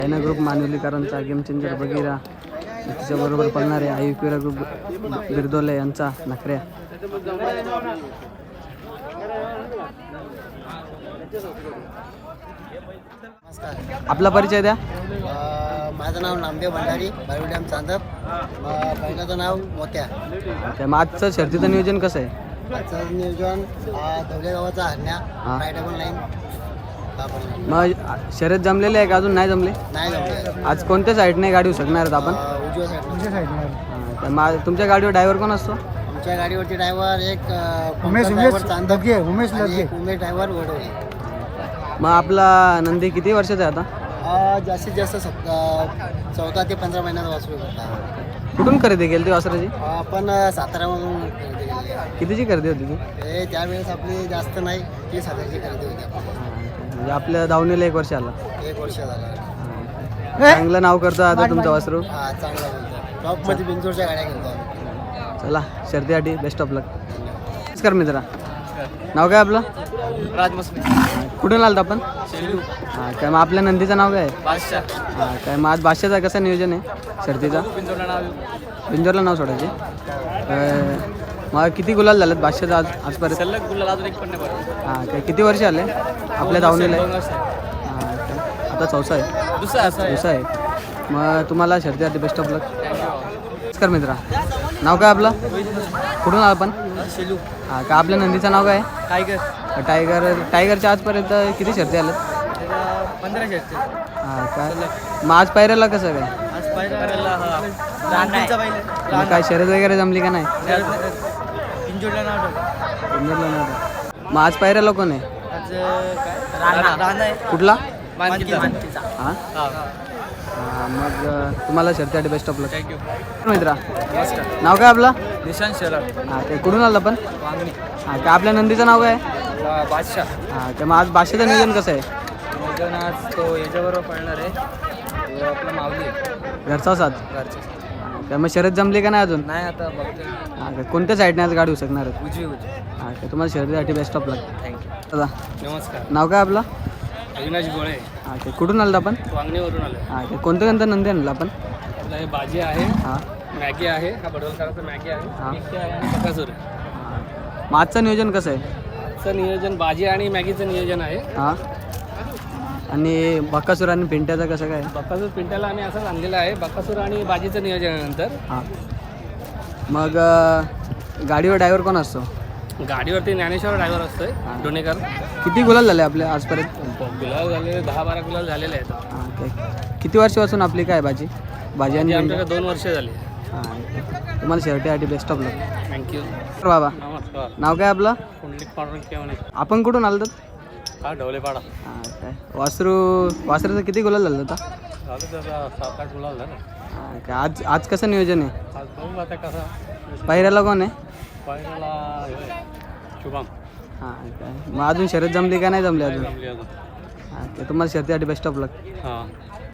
China group मानवलीकरांचा game changer Bagheera त्याच्याबरोबर पळणारे आयुक्युरा ग्रुप बिरदोले यांचा नखऱ्या. आपला परिचय द्या. माझं नाव नामदेव भंडारी, बारुड्याम चांदप. पहिल्याचं नाव मोत्या. मग आजचं शर्तीचं नियोजन कसं आहे? आजचं नियोजन धवले गावाचा हरण्या रायडबल लाईन. मग शर्यत जमलेले आहे का अजून नाही जमले? नाही जमले. आज कोणत्या साईडने गाडी शकणार आहेत आपण? उजव्या साईडला. तुमच्या गाडीवर ड्रायव्हर कोण असतो? आमच्या गाडीवरती ड्रायव्हर एक उमेश चांदप, उमेश उमेश ड्रायव्हर वडोळे. मग आपला नंदी किती वर्षाचा आहे आता? जास्तीत जास्त 14 ते 15 महिन्याचा वासरू होता. कुठून खरेदी केली ती वासराची? आपण साताऱ्यामधून खरेदी केलेली आहे. कितीची खरेदी होती ती? हे त्यावेळेस आपली जास्त नाही, 30,000ची खरेदी होती आपली. म्हणजे आपल्या दावणीला 1 वर्ष आला. 1 वर्ष झाला. चांगलं नाव करतो आता तुमचं वासरू. हा, चांगला बोलतो. टॉपमध्ये बिंजोरच्या गाड्या घेतो आम्ही. चला शर्तीसाठी बेस्ट ऑफ लक. नमस्कार मित्रा, नाव काय आपलं? राजमस्मी. कुठून आलत आपण? हां काय, मग आपल्या नंदीचं नाव काय आहे? बादशाह. हां काय, मग आज बादशाचा कसं नियोजन आहे शर्तीचा? बिंजोरला नाव. बिंजोरला नाव सोडायचे. मग किती गुलाल झालेत बादशाचा आजपर्यंत? सलग गुलाल अजून एक पण नाही पडला. हां काय, किती वर्ष आले आपल्या दावणीला? हां काय, आता 4सा आहे. दुसरा आहे. मग तुम्हाला शर्तीसाठी बेस्ट ऑफ लक. नमस्कार मित्रा, नाव काय आपलं? कुठून आला आपण? शेलू. हां का, आपल्या नंदीचं नाव काय आहे? टायगरच्या आजपर्यंत किती शर्ती आल्या? 15 शर्ती. हां काय, मग आज पायऱ्याला कसं काय? आज पायऱ्याला मग काय शर्यत वगैरे जमली का नाही? बिंजोरला नाव ठेवलं. बिंजोरला नाही. मग आज पायऱ्याला कोण आहे? आज राणा आहे. कुठला? मानकीचा. हां मग तुम्हाला शर्तीसाठी बेस्ट ऑफ लक. थँक्यू. मित्रा, नमस्कार. नाव काय आपलं? निशांत शेलार. हां ते कुठून आलं आपण? वांगणी. हां काय, आपल्या नंदीचं नाव काय? बादशाह. हां काय, मग आज बादशाचं नियोजन कसं आहे? नियोजन आज तो याच्याबरोबर पळणार आहे. तो आपला माऊली घरचा साथ. घरचे. काय मग शर्यत जमली का नाही अजून? नाही आता बघते. हां काय, कोणत्या साईडने आज गाडी होऊ शकणार आहे? उजवी. हां काय, तुम्हाला शर्यतीसाठी बेस्ट ऑफ लक. थँक्यू. दादा, नमस्कार. नाव काय आपलं? अविनाश गोळे. हां काय, कुठून आलं आपण? वांगणीवरून आलो. हां काय, कोणतं नंदी आणलं आपण? आपला हे भाजी आहे, हां मॅगी आहे, हा बडवलकरांचा मॅगी आहे, हां. मिक्की आहे आणि बकासूर आहे. मग आजचं नियोजन कसं आहे? आजचं नियोजन भाजी आणि मॅगीचं नियोजन आहे. हां, आणि बक्कासूर आणि पिंट्याचं कसं काय? बकासूर पिंट्याला आम्ही असंच आणलेलं आहे. बकासूर आणि भाजीचं नियोजन आहे नंतर. हां, मग गाडीवर ड्रायव्हर कोण असतो? गाडीवरती ज्ञानेश्वर ड्रायव्हर असतोय, डोणेकर. किती गुलाल झाले आपले आजपर्यंत? गुलाल झालेले 10-12 गुलाल झालेले आहेत. हां काय, किती वर्षापासून आपली काय भाजी आणि म्हणजे पिंट्या? आमच्याकडे 2 वर्ष झाली. हां काय, तुम्हाला शर्टीसाठी बेस्ट ऑफ लक. थँक्यू. बाबा, नमस्कार. नाव काय आपलं? कुंडलिक पाडून केव्हा आपण कुठून आलं तर? हा ढवलेपाडा. हां काय, वासराचं किती गुलाल झालं होता? झालं त्याचा 7-8 गुलाल झालं. हां काय, आज कसं नियोजन आहे? आज बघू आता कसं. पहिऱ्याला कोण आहे? पहिल्याला शुभम. हां काय, मग अजून शर्यत जमली का नाही जमली अजून? जमली अजून. हां काय, तुम्हाला शर्तीसाठी बेस्ट ऑफ लक. हां.